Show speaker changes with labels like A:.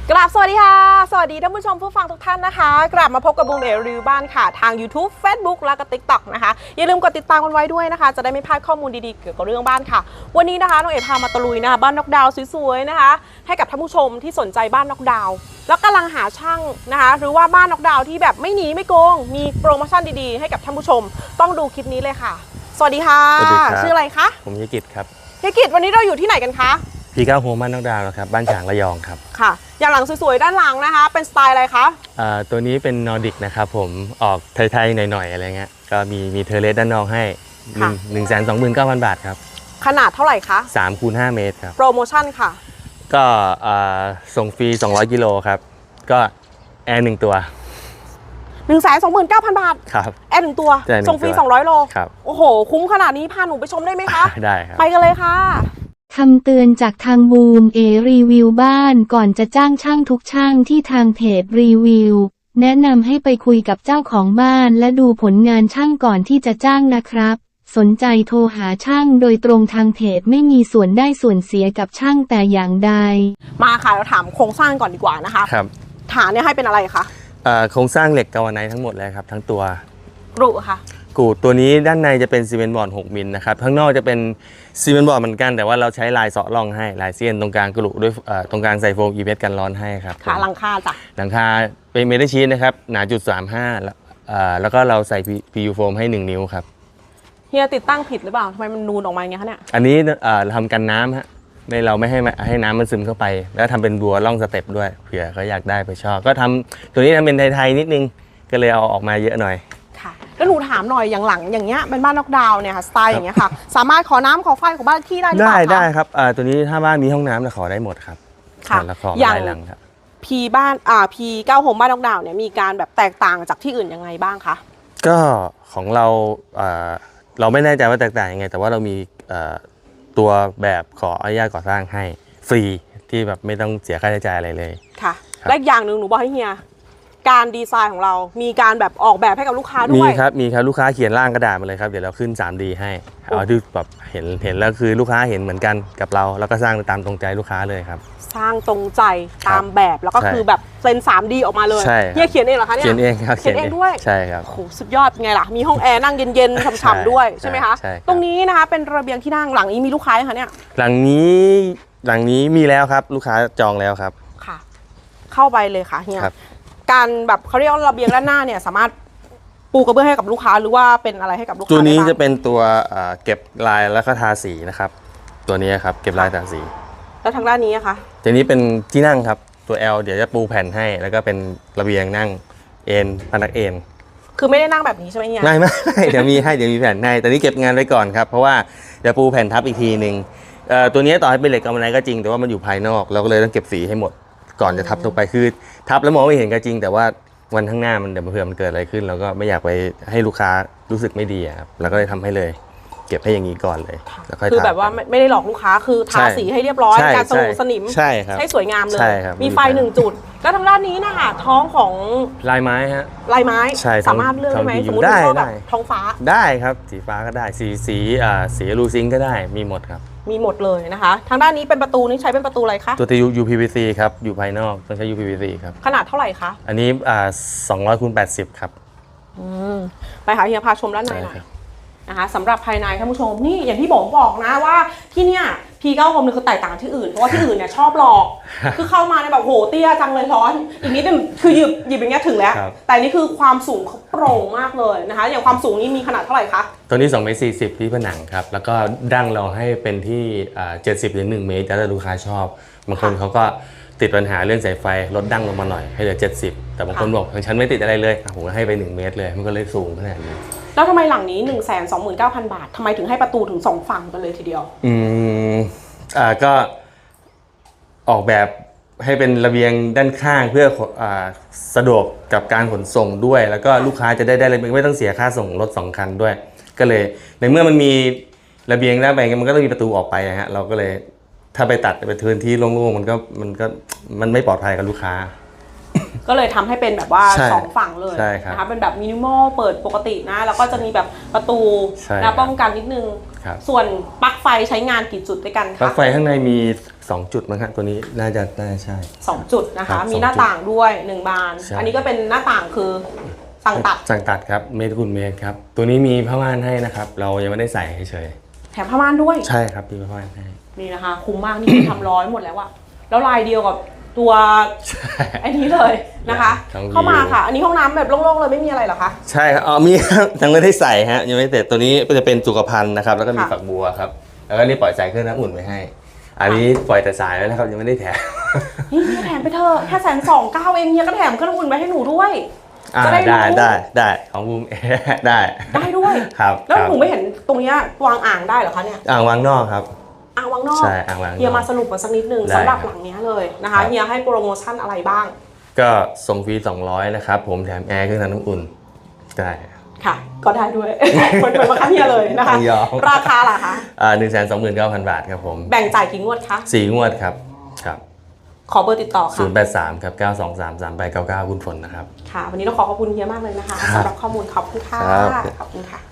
A: กราบสวัสดีค่ะสวัสดีท่านผู้ชมผู้ฟังทุกท่านนะคะกลับมาพบกับบูมเอรีวิวบ้านค่ะทาง YouTube Facebook และก็ TikTok นะคะอย่าลืมกดติดตามกันไว้ด้วยนะคะจะได้ไม่พลาดข้อมูลดีๆเกี่ยวกับเรื่องบ้านค่ะวันนี้นะคะน้องเอ๋พามาตะลุยนะคะบ้านน็อกดาวน์สวยๆนะคะให้กับท่านผู้ชมที่สนใจบ้านน็อกดาวน์แล้วกำลังหาช่างนะคะหรือว่าบ้านน็อกดาวน์ที่แบบไม่หนีไม่โกงมีโปรโมชั่นดีๆให้กับท่านผู้ชมต้องดูคลิปนี้เลยค่ะสวัสดีค่ะชื่ออะไรคะ
B: ผมยกิจครับ
A: ยกิจวันนี้เราอยู่ที่ไหนกันคะ
B: P9 โฮมบ้านน็อกดาวน์ครับบ้านฉางระยองครับ
A: ค่ะอย่างหลังสวยๆด้านหลังนะคะเป็นสไตล์อะไรคะ
B: ตัวนี้เป็นนอร์ดิกนะครับผมออกไทยๆหน่อยๆอะไรเงี้ยก็มีเทอร์เลสด้านนอกให้ 129,000 บาทครับ
A: ขนาดเท่าไหร่คะ
B: 3 คูณ 5 เมตรครับ
A: โปรโมชั่นค่ะ
B: ก็ส่งฟรี200 กิโลครับก็แอร์1 ตัว
A: 129,000 บาท
B: ครับ
A: แอร์1 ตัวส่งฟรี200 โล
B: ครับ
A: โอ้โหคุ้มขนาดนี้พาหนูไปชมได้ไหมคะ
B: ได้ครับ
A: ไปกันเลยค่ะ
C: คำเตือนจากทางบูมรีวิวบ้านก่อนจะจ้างช่างทุกช่างที่ทางเพจรีวิวแนะนำให้ไปคุยกับเจ้าของบ้านและดูผลงานช่างก่อนที่จะจ้างนะครับสนใจโทรหาช่างโดยตรงทางเพจไม่มีส่วนได้ส่วนเสียกับช่างแต่อย่างใด
A: มาค่ะเราถามโครงสร้างก่อนดีกว่านะคะ
B: ครับ
A: ฐานเนี่ยให้เป็นอะไรคะ
B: โครงสร้างเหล็กกาวาไนท์ทั้งหมดเลยครับทั้งตัว
A: กรุค่ะ
B: กูดตัวนี้ด้านในจะเป็นซีเมนต์บอร์ด6 มิลนะครับข้างนอกจะเป็นซีเมนต์บอร์ดเหมือนกันแต่ว่าเราใช้ลายเสาะร่องให้ลายเสี้ยนตรงกลางกรุด้วยตรงกลางใส่โฟมอีเวสกันร้อนให้ครับ
A: ค่ะหลังคาจ้ะ
B: หลังคาเป็นเมทัลชีทนะครับหนา.35แล้วก็เราใส่ PU โฟมให้1 นิ้วครับ
A: เฮียติดตั้งผิดหรือเปล่าทำไมมันนูนออกมาอย่างเงี้ยคะเนี่ย
B: อันนี้ทำกันน้ำฮะเราไม่ให้น้ำมันซึมเข้าไปแล้วทำเป็นบัวร่องสเต็ปด้วยเผื่อเขาอยากได้ไปชอบก็ทำตัวนี้ทำเป็นไทยๆนิดนึงก็เลยเอาออกมาเยอะหน่อย
A: แล้วหนูถามหน่อยอย่างหลังอย่างเงี้ยเป็นบ้านน็อกดาวน์เนี่ยค่ะสไตล์อย่างเงี้ยค่ะสามารถขอน้ำขอไฟของบ้านที่ได้หรือเปล่าคะ
B: ได้ครับตัวนี้ถ้าบ้านมีห้องน้ำเราขอได้หมดครับ
A: ค่ะ
B: แล้วขอ
A: อย่าง
B: ได้หลังครับ
A: พีบ้านP9 โฮมบ้านน็อกดาวน์เนี่ยมีการแบบแตกต่างจากที่อื่นยังไงบ้างคะ
B: ก็ของเราเราไม่แน่ใจว่าแตกต่างยังไงแต่ว่าเรามีตัวแบบขออนุญาตก่อสร้างให้ฟรีที่แบบไม่ต้องเสียค่าใช้จ่ายอะไรเลย
A: ค่ะและอย่างหนึ่งหนูบอกให้เฮียการดีไซน์ของเรามีการแบบออกแบบให้กับลูกค้าด้วย
B: มีครับลูกค้าเขียนร่างกระดาษมาเลยครับเดี๋ยวเราขึ้น 3D ให้เอาที่แบบเห็นแล้วคือลูกค้าเห็นเหมือนกันกับเราแล้วก็สร้างตามตรงใจลูกค้าเลยครับ
A: สร้างตรงใจตามแบบแล้วก็คือแบบเซ็น 3D ออกมาเลยเฮียเขียนเองเหรอคะเนี่ย
B: เขียนเองครับ
A: เขียนเองด้วย
B: ใช่ครับ
A: โอ้โหสุดยอดไงล่ะมีห้องแอร์นั่งเย็นๆฉ่ำๆด้วยใช่ไหมคะตรงนี้นะคะเป็นระเบียงที่นั่งหลังนี้มีลูกค้าไหมคะเนี่ย
B: หลังนี้มีแล้วครับลูกค้าจองแล้วครับ
A: ค่ะเข้าไปเลยค่ะเฮียการแบบเขาเรียกว่าระเบียงด้านหน้าเนี่ยสามารถปูกระเบื้องให้กับลูกค้าหรือว่าเป็นอะไรให้กับลูกค้า
B: ตัวนี้จะเป็นตัวเก็บลายแล้วก็ทาสีนะครับตัวนี้ครับเก็บลายทาสี
A: แล้วทางด้านนี้นะคะ
B: ตัวนี้เป็นที่นั่งครับตัว L เดี๋ยวจะปูแผ่นให้แล้วก็เป็นระเบียงนั่งเอนพนักเอน
A: คือไม่ได้นั่งแบบนี้ใช่ไหมเนี่ย
B: ไม่เดี๋ยวมีแผ่นให้แต่นี้เก็บงานไว้ก่อนครับเพราะว่าเดี๋ยวปูแผ่นทับอีกทีหนึ่งตัวนี้ต่อให้เป็นเหล็กกำมะไนก็จริงแต่ว่ามันอยู่ภายนอกเราก็เลยต้องเก็บสีให้หมดก่อนจะทับลงไปคือทับแล้วมองไม่เห็นก็จริงแต่ว่าวันข้างหน้ามันเดี๋ยวเผื่อมันเกิดอะไรขึ้นเราก็ไม่อยากไปให้ลูกค้ารู้สึกไม่ดีครับเราก็เลยทำให้เลยเก็บให้อย่างนี้ก่อนเลยแล้วค่อย
A: คือแบบว่าไม่ได้หลอกลูกค้าคือทาสีให้เรียบร้อยการสนิม
B: ใช่ครับ
A: ให้สวยงามเลยมีไฟ1 จุดแล้วทางด้านนี้นะคะท้องของ
B: ลายไม้ฮะ
A: ลายไม้สามารถเลือกได้ไหมสมมติว่าแบบท้องฟ้า
B: ได้ครับสีฟ้าก็ได้สีลูซิงก็ได้มีหมดครับ
A: มีหมดเลยนะคะทางด้านนี้เป็นประตูนี่ใช้เป็นประตูอะไรคะ
B: ตัว UPVC ครับอยู่ภายนอกต้องใช้ UPVC ครับ
A: ขนาดเท่าไหร่คะ
B: อันนี้200 คูณ 80ครับ
A: ไปหาเฮียพาชมด้านในหน่อยนะคะสำหรับภายในท่านผู้ชมนี่อย่างที่บอกนะว่าที่เนี่ยP9 โฮมเนี่ยคือแตกต่างที่อื่นเพราะว่าที่อื่นเนี่ยชอบหลอกคือเข้ามาในแบบโหเตี้ยจังเลยร้อนอีกนิดนึงคือหยิบอย่างเงี้ยถึงแล้วแต่นี่คือความสูงเขาโปร่งมากเลยนะคะอย่างความสูงนี้มีขนาดเท่าไหร่คะ
B: ตัวนี้2 เมตร 40ที่ผนังครับแล้วก็ดั้งเราให้เป็นที่70 หรือ 1 เมตรแล้วแต่ลูกค้าชอบบางคนเขาก็ติดปัญหาเรื่องสายไฟลดดั้งลงมาหน่อยให้เหลือ70แต่บางคนบอกฉันไม่ติดอะไรเลยผมก็ให้ไป1 เมตรเลยมันก็เลยสูงขนาดนี้
A: แล้วทำไมหลังนี้ 129,000 บาททำไมถึงให้ประตูถึง2 ฝั่งกันเลยทีเดียว
B: ก็ออกแบบให้เป็นระเบียงด้านข้างเพื่อสะดวกกับการขนส่งด้วยแล้วก็ลูกค้าจะได้ระเบียงไม่ต้องเสียค่าส่งรถ2 คันด้วยก็เลยในเมื่อมันมีระเบียงด้านไปมันก็ต้องมีประตูออกไปนะฮะเราก็เลยถ้าไปตัดไปพื้นที่โล่งๆมันไม่ปลอดภัยกับลูกค้า
A: ก็เลยทำให้เป็นแบบว่า2 ฝั่งเลยนะคะเป็นแบบมินิมอลเปิดปกตินะแล้วก็จะมีแบบประตูป้องกันนิดนึงส่วนปลั๊กไฟใช้งานกี่จุดด้วยกันคะ
B: ปลั๊กไฟข้างในมี 2 จุดมั้งครับตัวนี้น่าจะใช่
A: 2 จุดนะ
B: ครั
A: คะ
B: บ
A: มีหน้าต่างด้วย1บาน
B: ใช่
A: อันนี้ก็เป็นหน้าต่างคือสั่งตัด
B: สั่งตัดครับเมตรคูณเมตรครับตัวนี้มีผ้าม่านให้นะครับเรายังไม่ได้ใส่เฉย
A: แถมผ้าม่านด้วย
B: ๆใช่ครับมีผ้าม่านให้
A: นี่นะคะคุ้มมากนี่คือทำร้อยหมดแล้วอะแล้วลายเดียวกับตัวไอ้นี้เลยนะคะ
B: ทั้งวิว
A: เข้ามาค่ะ อันนี้ห้องน้ำแบบโล่งๆเลยไม่มีอะไรเหรอคะ
B: ใช่ครับอ๋อมีครับยังไม่ได้ใส่ฮะยังไม่เสร็จตัวนี้ก็จะเป็นสุขภัณฑ์นะครับแล้วก็มี
A: ค่ะ
B: ฝักบัวครับแล้วก็นี่ปล่อยสายเครื่องน้ำอุ่นไว้ให้ อันนี้ปล่อยแต่สายไว้นะครับยังไม่ได้แถม
A: นี่เฮียแถมไปเถอะแค่129,000เองเฮียก็แถมเครื่องอุ่นไว้ให้หนูด้วย
B: อ่า
A: จะได้รู้
B: ได้ของบูม ได้
A: ได้ด้วย
B: ครับ
A: แล้ว
B: ครับ
A: หนูไม่เห็นตรงเนี้ยวางอ่างได้เหรอคะเนี่ย
B: อ่างวางนอกครับ
A: อ่างวางนอก
B: ใช่อ่างวางนอก
A: เฮียมาสรุปมาสักนิดนึง
B: ได้
A: สำหรับ
B: ครับ
A: หลังเนี้ยเลยนะ
B: ครั
A: คะ
B: บ
A: เฮียให้โปรโมชั่นอะไรบ้าง
B: ก็ส่งฟรี200นะครับผมแถมแอร์เครื่องทำน้ำอุ่นได้
A: ค่ะ ก็ได้ด้วย เหมือนมาคันเฮียเลยนะคะ
B: ยอม
A: ราคาล่ะคะ
B: 129,000 บาทครับผม
A: แบ่งจ่ายกี่งวดคะ
B: 4 งวดครับครับ
A: ขอเบอร์ติดต่อค่ะ
B: 083ครับ9233899คุณฝนนะครับ
A: ค่ะ วันนี้ต้องขอขอบคุณเฮียมากเลยนะคะ
B: ครับ
A: สำหรับข้อมูลขอบคุณค่ะ
B: ครับ
A: ขอบคุณค่ะ